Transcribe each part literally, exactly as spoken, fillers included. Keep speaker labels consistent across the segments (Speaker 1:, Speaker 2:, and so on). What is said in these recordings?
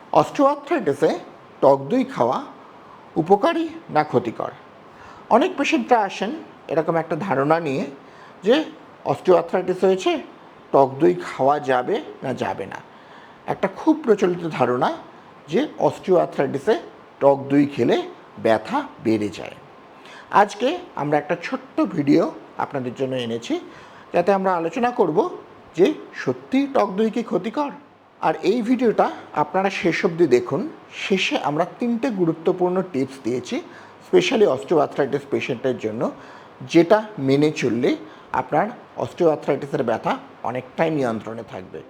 Speaker 1: অস্টিওআর্থ্রাইটিসে টক দই খাওয়া উপকারী না ক্ষতিকর? অনেক পেশেন্টরা আসেন এরকম একটা ধারণা নিয়ে যে অস্টিওআর্থ্রাইটিস হয়েছে, টক দই খাওয়া যাবে না যাবে না। একটা খুব প্রচলিত ধারণা যে অস্টিওআর্থ্রাইটিসে টক দই খেলে ব্যথা বেড়ে যায়। আজকে আমরা একটা ছোট্ট ভিডিও আপনাদের জন্য এনেছি, যাতে আমরা আলোচনা করব যে সত্যিই টক দই কি ক্ষতিকর। আর এই ভিডিওটা আপনারা শেষ অবধি দেখুন। শেষে আমরা তিনটে গুরুত্বপূর্ণ টিপস দিয়েছি স্পেশালি অস্টিওআর্থ্রাইটিস পেশেন্টের জন্য, যেটা মেনে চললে আপনার অস্টিওআর্থ্রাইটিসের ব্যথা অনেকটাই নিয়ন্ত্রণে থাকবে।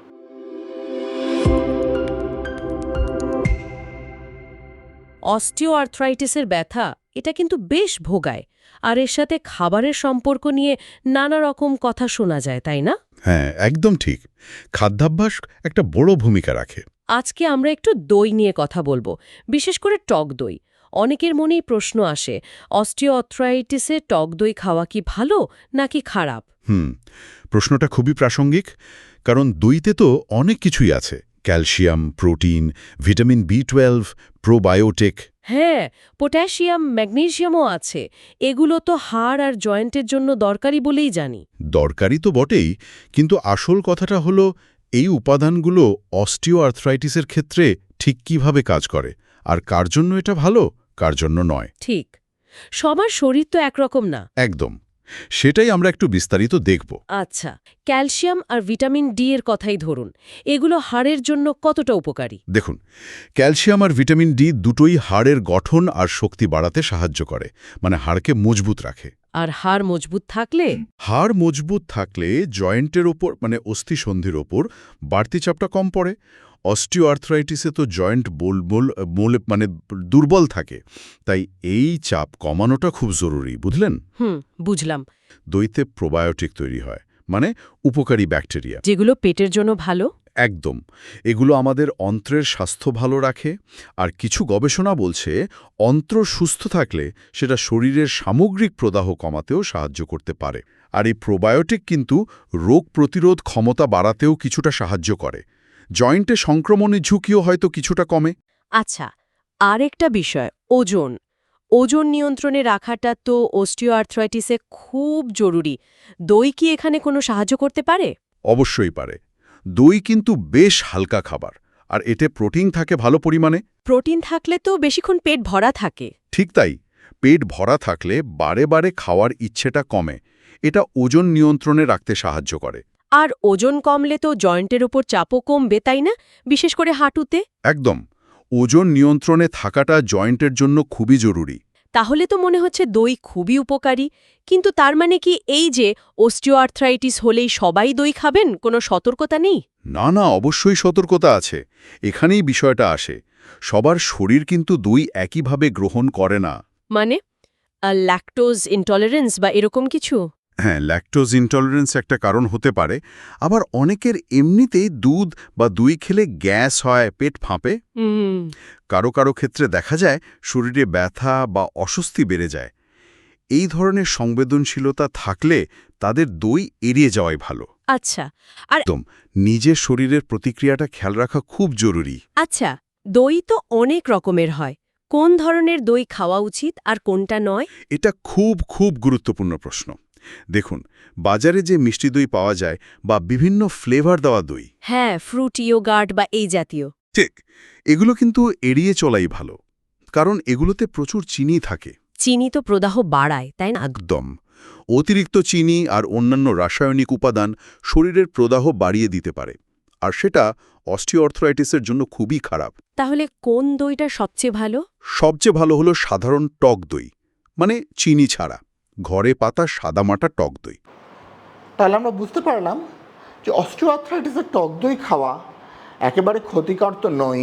Speaker 2: অস্টিওআর্থ্রাইটিসের ব্যথা এটা কিন্তু বেশ ভোগায়, আর এর সাথে খাবারের সম্পর্ক নিয়ে নানা রকম কথা শোনা যায়, তাই না?
Speaker 3: হ্যাঁ, একদম ঠিক। খাদ্যাভ্যাস একটা বড় ভূমিকা রাখে।
Speaker 2: আজকে আমরা একটু দই নিয়ে কথা বলবো, বিশেষ করে টক দই। অনেকের মনেই প্রশ্ন আসে, অস্টিওআর্থ্রাইটিসে টক দই খাওয়া কি ভালো নাকি খারাপ?
Speaker 3: হুম প্রশ্নটা খুবই প্রাসঙ্গিক, কারণ দইতে তো অনেক কিছুই আছে। Calcium, protein, vitamin B twelve, probiotic.
Speaker 2: হ্যাঁ, পটাশিয়াম, ম্যাগনেসিয়ামও আছে। এগুলো তো হাড় আর জয়েন্টের জন্য দরকারি বলেই জানি।
Speaker 3: দরকারি তো বটেই, কিন্তু আসল কথাটা হলো এই উপাদানগুলো অস্টিওআর্থ্রাইটিসের ক্ষেত্রে ঠিক কিভাবে কাজ করে, আর কার জন্য এটা ভালো, কার জন্য নয়।
Speaker 2: ঠিক, সবার শরীর তো একরকম না।
Speaker 3: একদম, সেটাই আমরা একটু বিস্তারিত দেখব।
Speaker 2: আচ্ছা, ক্যালসিয়াম আর ভিটামিন ডি এর কথাই ধরুন, এগুলো হাড়ের জন্য কতটা উপকারী?
Speaker 3: দেখুন, ক্যালসিয়াম আর ভিটামিন ডি দুটোই হাড়ের গঠন আর শক্তি বাড়াতে সাহায্য করে, মানে হাড়কে মজবুত রাখে।
Speaker 2: আর হাড় মজবুত থাকলে?
Speaker 3: হাড় মজবুত থাকলে জয়েন্টের ওপর, মানে অস্থিসন্ধির ওপর বাড়তি চাপটা কম পড়ে। অস্টিওআর্থ্রাইটিসে তো জয়েন্ট বোলবোল মোলে মানে দুর্বল থাকে, তাই এই চাপ কমানোটা খুব জরুরি, বুঝলেন?
Speaker 2: হুম, বুঝলাম।
Speaker 3: দইতে প্রোবায়োটিক তৈরি হয়, মানে উপকারী ব্যাকটেরিয়া,
Speaker 2: যেগুলো পেটের জন্য ভালো।
Speaker 3: একদম। এগুলো আমাদের অন্ত্রের স্বাস্থ্য ভালো রাখে, আর কিছু গবেষণা বলছে অন্ত্র সুস্থ থাকলে সেটা শরীরের সামগ্রিক প্রদাহ কমাতেও সাহায্য করতে পারে। আর এই প্রোবায়োটিক কিন্তু রোগ প্রতিরোধ ক্ষমতা বাড়াতেও কিছুটা সাহায্য করে। জয়েন্টে সংক্রমণের ঝুঁকিও হয়তো কিছুটা কমে।
Speaker 2: আচ্ছা, আরেকটা বিষয়, ওজন। ওজন নিয়ন্ত্রণে রাখাটা তো অস্টিওআর্থ্রাইটিসে খুব জরুরি। দই কি এখানে কোনো সাহায্য করতে পারে?
Speaker 3: অবশ্যই পারে। দই কিন্তু বেশ হালকা খাবার, আর এতে প্রোটিন থাকে ভালো পরিমাণে।
Speaker 2: প্রোটিন থাকলে তো বেশিক্ষণ পেট ভরা থাকে।
Speaker 3: ঠিক তাই, পেট ভরা থাকলে বারে বারে খাওয়ার ইচ্ছেটা কমে। এটা ওজন নিয়ন্ত্রণে রাখতে সাহায্য করে।
Speaker 2: আর ওজন কমলে তো জয়েন্টের ওপর চাপও কমবে, তাই না? বিশেষ করে হাঁটুতে।
Speaker 3: একদম, ওজন নিয়ন্ত্রণে থাকাটা জয়েন্টের জন্য খুবই জরুরি।
Speaker 2: তাহলে তো মনে হচ্ছে দই খুবই উপকারী। কিন্তু তার মানে কি এই যে অস্টিওআর্থ্রাইটিস হলেই সবাই দই খাবেন, কোনো সতর্কতা নেই?
Speaker 3: না না, অবশ্যই সতর্কতা আছে। এখানেই বিষয়টা আসে, সবার শরীর কিন্তু দই একইভাবে গ্রহণ করে না।
Speaker 2: মানে ল্যাকটোজ ইনটলারেন্স বা এরকম কিছু?
Speaker 3: হ্যাঁ, ল্যাকটোজ ইনটলারেন্স একটা কারণ হতে পারে। আবার অনেকের এমনিতেই দুধ বা দই খেলে গ্যাস হয়, পেট ফাঁপে।
Speaker 2: হুম।
Speaker 3: কারো কারো ক্ষেত্রে দেখা যায় শরীরে ব্যথা বা অস্বস্তি বেড়ে যায়। এই ধরনের সংবেদনশীলতা থাকলে তাদের দই এড়িয়ে যাওয়াই ভালো।
Speaker 2: আচ্ছা, আর
Speaker 3: একদম, নিজের শরীরের প্রতিক্রিয়াটা খেয়াল রাখা খুব জরুরি।
Speaker 2: আচ্ছা, দই তো অনেক রকমের হয়। কোন ধরনের দই খাওয়া উচিত আর কোনটা নয়?
Speaker 3: এটা খুব খুব গুরুত্বপূর্ণ প্রশ্ন। দেখুন, বাজারে যে মিষ্টি দই পাওয়া যায় বা বিভিন্ন ফ্লেভার দেওয়া দই,
Speaker 2: হ্যাঁ, ফ্রুট ইয়োগার্ট বা এই জাতীয়।
Speaker 3: ঠিক, এগুলো কিন্তু এড়িয়ে চলাই ভালো, কারণ এগুলোতে প্রচুর চিনি থাকে।
Speaker 2: চিনি তো প্রদাহ বাড়ায়, তাই না?
Speaker 3: একদম, অতিরিক্ত চিনি আর অন্যান্য রাসায়নিক উপাদান শরীরের প্রদাহ বাড়িয়ে দিতে পারে, আর সেটা অস্টিওআর্থ্রাইটিসের জন্য খুবই খারাপ।
Speaker 2: তাহলে কোন দইটা সবচেয়ে ভালো?
Speaker 3: সবচেয়ে ভালো হলো সাধারণ টক দই, মানে চিনি ছাড়া, ঘরে পাতা সাদামাটা টক দই।
Speaker 1: তাহলে আমরা বুঝতে পারলাম যে অস্টিওআর্থ্রাইটিসের টক দই খাওয়া একেবারে ক্ষতিকর তো নয়ই।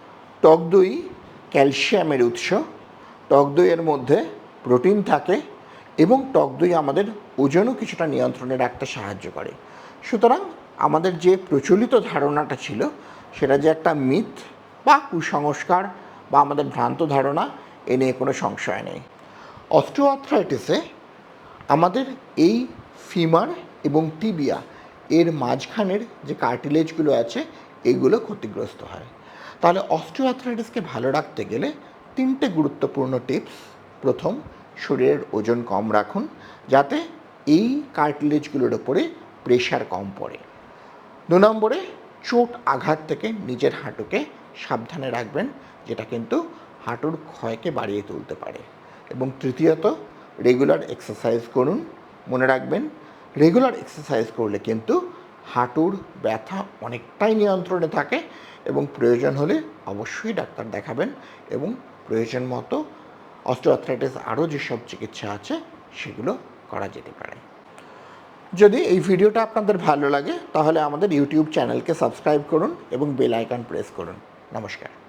Speaker 1: টক দই ক্যালসিয়ামের উৎস, টক দইয়ের মধ্যে প্রোটিন থাকে এবং টক দই আমাদের ওজনও কিছুটা নিয়ন্ত্রণে রাখতে সাহায্য করে। সুতরাং আমাদের যে প্রচলিত ধারণাটা ছিল সেটা যে একটা মিথ বা কুসংস্কার বা আমাদের ভ্রান্ত ধারণা, এ নিয়ে কোনো সংশয় নেই। অস্টিওআর্থ্রাইটিসে আমাদের এই ফিমার এবং টিবিয়া এর মাঝখানের যে কার্টিলেজগুলো আছে এগুলো ক্ষতিগ্রস্ত হয়। তাহলে অস্টিওআর্থ্রাইটিসকে ভালো রাখতে গেলে তিনটে গুরুত্বপূর্ণ টিপস। প্রথম, শরীরের ওজন কম রাখুন যাতে এই কার্টিলেজগুলোর ওপরে প্রেশার কম পড়ে। দু নম্বরে, চোট আঘাত থেকে নিজের হাঁটুকে সাবধানে রাখবেন, যেটা কিন্তু হাঁটুর ক্ষয়কে বাড়িয়ে তুলতে পারে। এবং তৃতীয়ত, রেগুলার এক্সারসাইজ করুন। মনে রাখবেন, রেগুলার এক্সারসাইজ করলে কিন্তু হাঁটুর ব্যথা অনেকটাই নিয়ন্ত্রণে থাকে এবং প্রয়োজন হলে অবশ্যই ডাক্তার দেখাবেন এবং প্রয়োজন মতো অস্টিওআর্থ্রাইটিস আরও যেসব চিকিৎসা আছে সেগুলো করা যেতে পারে। যদি এই ভিডিওটা আপনাদের ভালো লাগে তাহলে আমাদের ইউটিউব চ্যানেলকে সাবস্ক্রাইব করুন এবং বেল আইকন প্রেস করুন। নমস্কার।